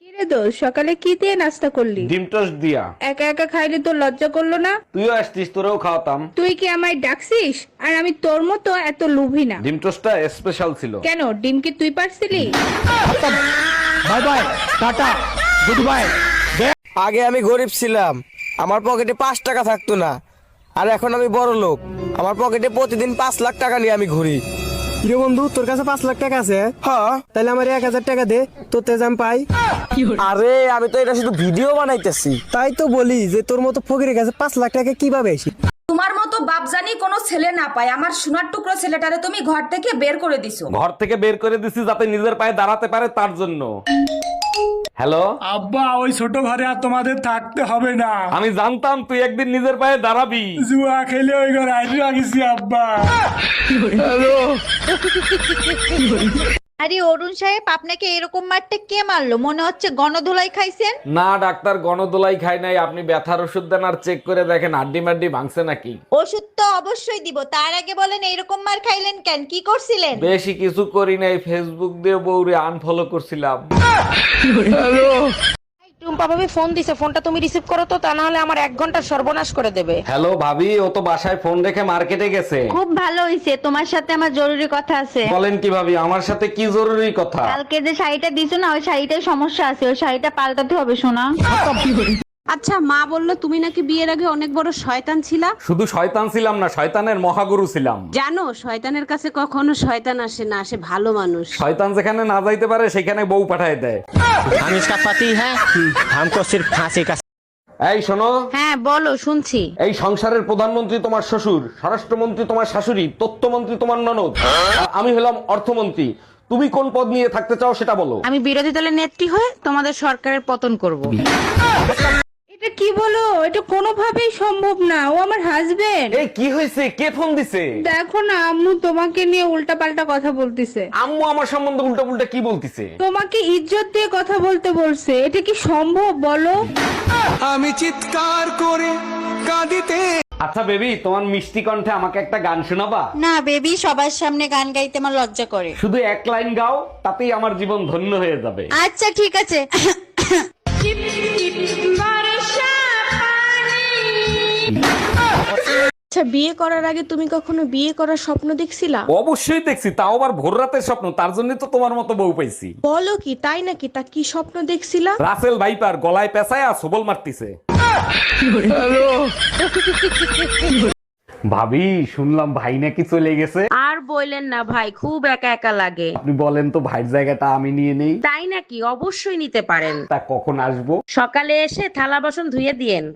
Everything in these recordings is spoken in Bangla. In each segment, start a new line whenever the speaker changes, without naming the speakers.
কিরে দোষ, সকালে কি দিয়ে নাস্তা করলি?
ডিম টোস্ট দিয়া।
একা একা খাইলে তোর লজ্জা করলো না?
তুইও আসতিস, তোরেও খাওয়াতাম।
তুই কি আমায় ডাকছিস? আর আমি তোর মতো এত লোভী না।
ডিম টোস্টটা স্পেশাল ছিল।
কেন, ডিম কি তুই পারছিলি?
Bye bye, tata, good bye.
আগে আমি গরিব ছিলাম, আমার পকেটে 5 টাকা থাকতো না। আর এখন আমি বড় লোক, আমার পকেটে প্রতিদিন 5 লাখ টাকা নিয়ে আমি ঘুরি।
রে বন্ধু, তোর কাছে 5 লাখ টাকা আছে?
হ্যাঁ।
তাহলে আমার 1000 টাকা দে, তোর তেজ আমি পাই।
আরে আমি তো এটা শুধু ভিডিও বানাইতেছি।
তাই তো বলি যে তোর মতো ফকিরের কাছে 5 লাখ টাকা কিভাবে আসি?
তোমার মতো বাপজানি কোনো ছেলে না পায়, আমার সোনার টুকরো ছেলেটারে তুমি ঘর থেকে বের করে দিছো।
ঘর থেকে বের করে দিছি যাতে নিজের পায়ে দাঁড়াতে পারে, তার জন্য। হ্যালো
আব্বা, ওই ছোট ঘরে আর তোমাদের থাকতে হবে না।
আমি জানতাম তুই একদিন নিজের পায়ে দাঁড়াবি।
জুয়া খেলে ওই ঘরে আইসি রাখিছি আব্বা।
আরে অরুণ সাহেব, আপনাকে এরকম মারতে কে মারলো? মনে হচ্ছে গণধোলাই খাইছেন।
না ডাক্তার, গণদোলাই খাই নাই। আপনি ব্যথার ওষুধ দেন আর চেক করে দেখেন হাড্ডি মাড্ডি ভাঙছে নাকি।
ওষুধ তো অবশ্যই দিব, তার আগে বলেন এরকম মার খাইলেন কেন? কি করছিলেন?
বেশি কিছু করি নাই, ফেসবুক দিয়ে বউরে আনফলো করছিলাম।
টুম্পা ভাবি ফোন দিছে, ফোনটা তুমি রিসিভ করো তো, তা না হলে আমার 1 ঘন্টা সর্বনাশ করে দেবে।
হ্যালো ভাবি, ও তো বাসায় ফোন রেখে মার্কেটে গেছে।
খুব ভালো হইছে, তোমার সাথে আমার জরুরি কথা আছে।
বলেন কি ভাবি, আমার সাথে কি জরুরি কথা?
কালকে যে শাড়িটা দিছো না, ওই শাড়িটায় সমস্যা আছে, ওই শাড়িটা পাল্টাতে হবে সোনা।
আচ্ছা, মা বললো তুমি নাকি বিয়ের আগে অনেক বড় শয়তান ছিলা।
শুধু শয়তান ছিলাম না, শয়তানের মহাগুরু ছিলাম।
জানো, শয়তানের কাছে কখনো শয়তান আসে না, আসে ভালো মানুষ।
শয়তান যেখানে না যাইতে পারে সেখানে বউ পাঠায় দেয়।
हम इसका पति है, हमको सिर्फ फांसी का।
এই শোনো,
হ্যাঁ বলো, শুনছি।
এই সংসারের প্রধানমন্ত্রী তোমার শ্বশুর, স্বরাষ্ট্রমন্ত্রী তোমার শাশুড়ি, তথ্যমন্ত্রী তোমার ননদ, আর আমি হলাম অর্থমন্ত্রী। তুমি কোন পদ নিয়ে থাকতে চাও সেটা বলো।
আমি বিরোধী দলের নেত্রী হয়ে তোমাদের সরকারের পতন করব।
এটা কি বলো? এটা কোনোভাবেই সম্ভব না, ও আমার হাজবেন্ড।
এই কি হয়েছে? কে ফোন দিছে?
দেখো না, আম্মু তোমাকে নিয়ে উল্টাপাল্টা কথা বলতিছে।
আম্মু আমার সম্বন্ধে উল্টা পুল্টা কি বলতিছে?
তোমাকে ইজ্জত দিয়ে কথা বলতে বলছে। এটা কি সম্ভব বলো?
আমি চিৎকার করে কাঁদিতে।
আচ্ছা বেবি, তোমার মিষ্টি কণ্ঠে আমাকে একটা গান শোনাবা?
না বেবি, সবার সামনে গান গাইতে আমার লজ্জা করে।
শুধু 1 লাইন গাও, তাতেই আমার জীবন ধন্য হয়ে যাবে।
আচ্ছা ঠিক আছে।
আচ্ছা, বিয়ে করার আগে তুমি কখনো বিয়ে করার স্বপ্ন দেখছিলা?
অবশ্যই দেখছি, তাও আবার ভোর রাতের স্বপ্ন। তার জন্য তো তোমার মতো বউ পাইছি।
বলো কি, তাই নাকি? তা কি স্বপ্ন দেখছিলা?
রাসেল ভাইপার গলায় পেঁচায় আর সবল মারতিছে। ভাবি, শুনলাম ভাই নাকি চলে গেছে।
আর বললেন না ভাই, খুব একা একা লাগে।
আপনি বলেন তো ভাইয়ের জায়গাটা আমি নিয়ে নেই।
তাই নাকি? অবশ্যই নিতে পারেন।
তা কখন আসবো?
সকালে এসে থালা বাসন ধুয়ে দিয়েন।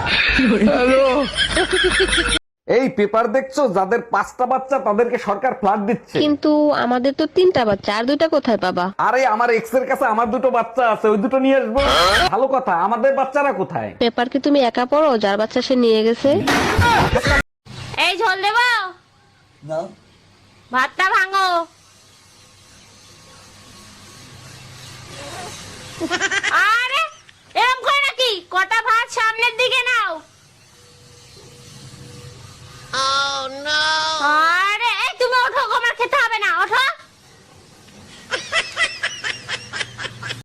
এই পেপার দেখছো, যাদের 5টা বাচ্চা তাদেরকে সরকার ফ্ল্যাট দিচ্ছে।
কিন্তু আমাদের তো 3টা বাচ্চা, আর 2টা কোথায় পাবা?
আরে আমার এক্স এর কাছে আমার 2টো বাচ্চা আছে, ওই 2টো নিয়ে আসবো। ভালো কথা, আমাদের বাচ্চারা কোথায়?
পেপার কি তুমি একা পড়ো? যার বাচ্চা সে নিয়ে গেছে। এই ঝোল দেবো না, ভাতটা ভাঙো। আরে এরকম করে নাকি? কটা ভাত সামনের দিকে নাও।